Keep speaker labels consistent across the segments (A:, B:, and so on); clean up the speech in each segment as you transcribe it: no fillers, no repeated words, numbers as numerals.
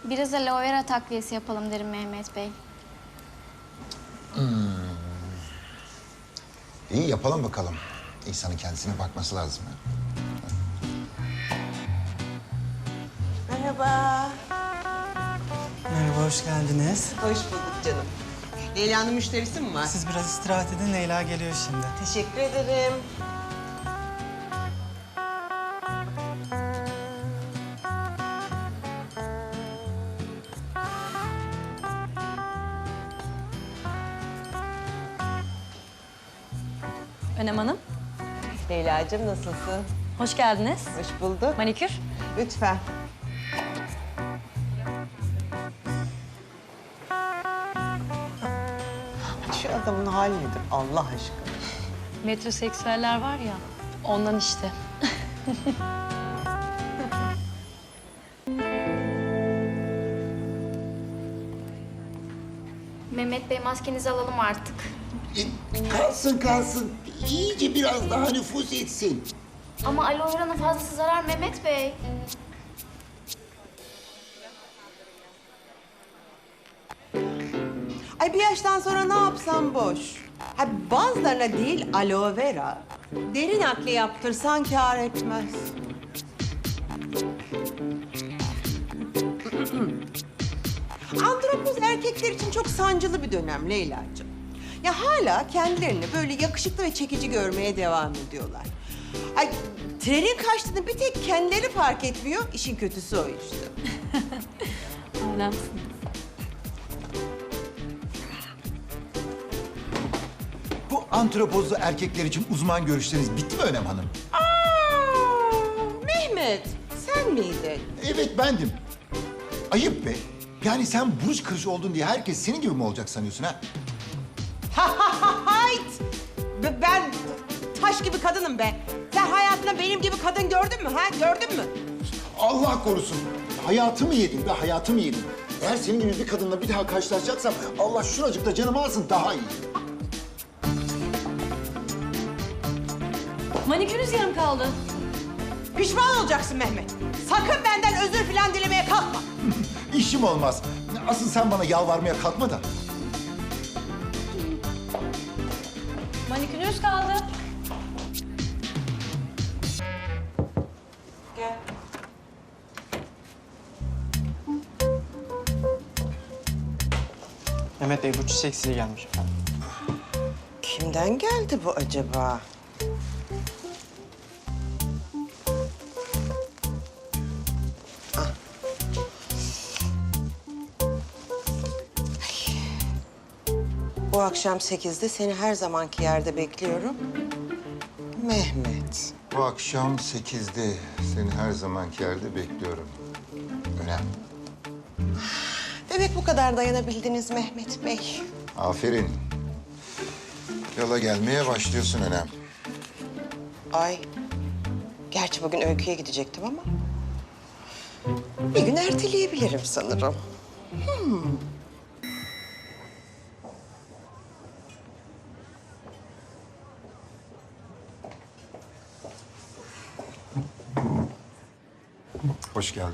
A: Biraz aloe vera takviyesi yapalım derim Mehmet Bey.
B: İyi yapalım bakalım. İnsanın kendisine bakması lazım.
C: Merhaba.
D: Merhaba, hoş geldiniz.
C: Hoş bulduk canım. Leyla'nın müşterisi mi var?
D: Siz biraz istirahat edin, Leyla geliyor şimdi.
C: Teşekkür ederim.
E: Önem Hanım,
C: Leyla'cığım nasılsın?
E: hoş geldiniz.
C: Hoş bulduk.
E: Manikür.
C: Lütfen. Şu adamın hali nedir Allah aşkına?
E: Metroseksüeller var ya, ondan işte.
A: Mehmet Bey maskenizi alalım artık.
F: Kalsın kalsın. İyice biraz daha nüfuz etsin.
A: Ama aloe vera'nın fazlası zarar Mehmet Bey.
C: Ay bir yaştan sonra ne yapsam boş. Ha, bazılarına değil aloe vera, deri nakli yaptırsan kâr etmez. Andropoz erkekler için çok sancılı bir dönem Leyla'cığım. Ya hala kendilerini böyle yakışıklı ve çekici görmeye devam ediyorlar. Ay trenin kaçtığını bir tek kendileri fark etmiyor. İşin kötüsü o işte.
E: Önemsiz.
B: Bu antropozlu erkekler için uzman görüşleriniz bitti mi Önem Hanım?
C: Mehmet, sen miydin?
B: Evet bendim. Ayıp be. Yani sen burç kırışı oldun diye herkes senin gibi mi olacak sanıyorsun ha?
C: Hayt! Ben taş gibi kadınım be. Sen hayatında benim gibi kadın gördün mü ha? Gördün mü?
B: Allah korusun. Hayatımı yedin be, hayatımı yedin. Eğer senin gibi bir kadınla bir daha karşılaşacaksam Allah şuracıkta canımı alsın daha iyi.
E: Manikürünüz yarım kaldı.
C: Pişman olacaksın Mehmet. Sakın benden özür falan dilemeye kalkma.
B: İşim olmaz. Asıl sen bana yalvarmaya kalkma da.
E: Manikürünüz kaldı.
C: Gel.
D: Mehmet Bey, bu çiçek size gelmiş efendim.
C: Kimden geldi bu acaba? Ah. Ay. Bu akşam 8'de seni her zamanki yerde bekliyorum. Mehmet.
B: Bu akşam 8'de seni her zamanki yerde bekliyorum. Önem.
C: Demek bu kadar dayanabildiniz Mehmet Bey.
B: Aferin. Yola gelmeye başlıyorsun Önem.
C: Ay. Gerçi bugün Öykü'ye gidecektim ama... bir gün erteleyebilirim sanırım.
B: Hoş geldin.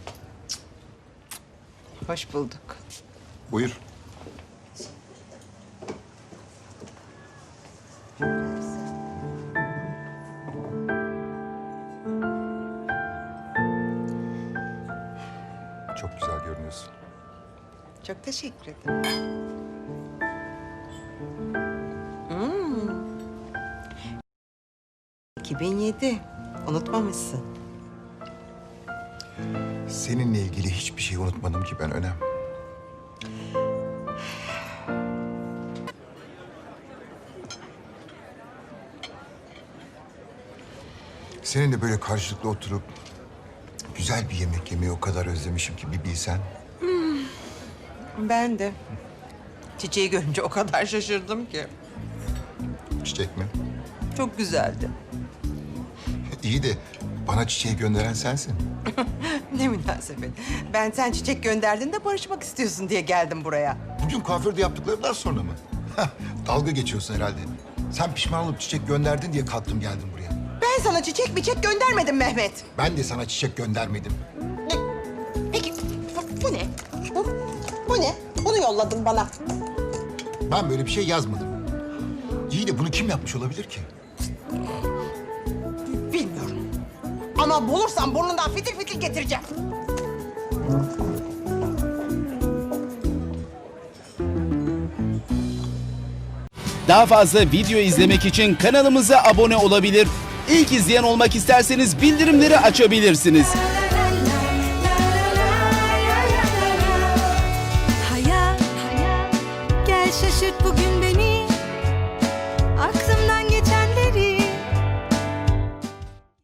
C: Hoş bulduk.
B: Buyur. Çok güzel görünüyorsun.
C: Çok teşekkür ederim. Hmm. 2007. Unutmamışsın.
B: Seninle ilgili hiçbir şey unutmadım ki ben Önem. Seninle böyle karşılıklı oturup güzel bir yemek yemeyi o kadar özlemişim ki bir bilsen.
C: Ben de. Çiçeği görünce o kadar şaşırdım ki.
B: Çiçek mi?
C: Çok güzeldi.
B: İyi de bana çiçeği gönderen sensin.
C: Ne münasebet. Ben sen çiçek gönderdin de barışmak istiyorsun diye geldim buraya.
B: Bugün kuaförde yaptıklarından sonra mı? Dalga geçiyorsun herhalde. Sen pişman olup çiçek gönderdin diye kalktım geldim buraya.
C: Ben sana çiçek göndermedim Mehmet.
B: Ben de sana çiçek göndermedim.
C: Peki Bu ne? Hı? Bu ne? Bunu yolladın bana.
B: Ben böyle bir şey yazmadım. İyi de bunu kim yapmış olabilir ki?
C: Bilmiyorum. Ama bulursam burnundan fitil fitil getireceğim.
G: Daha fazla video izlemek için kanalımıza abone olabilir. İlk izleyen olmak isterseniz bildirimleri açabilirsiniz.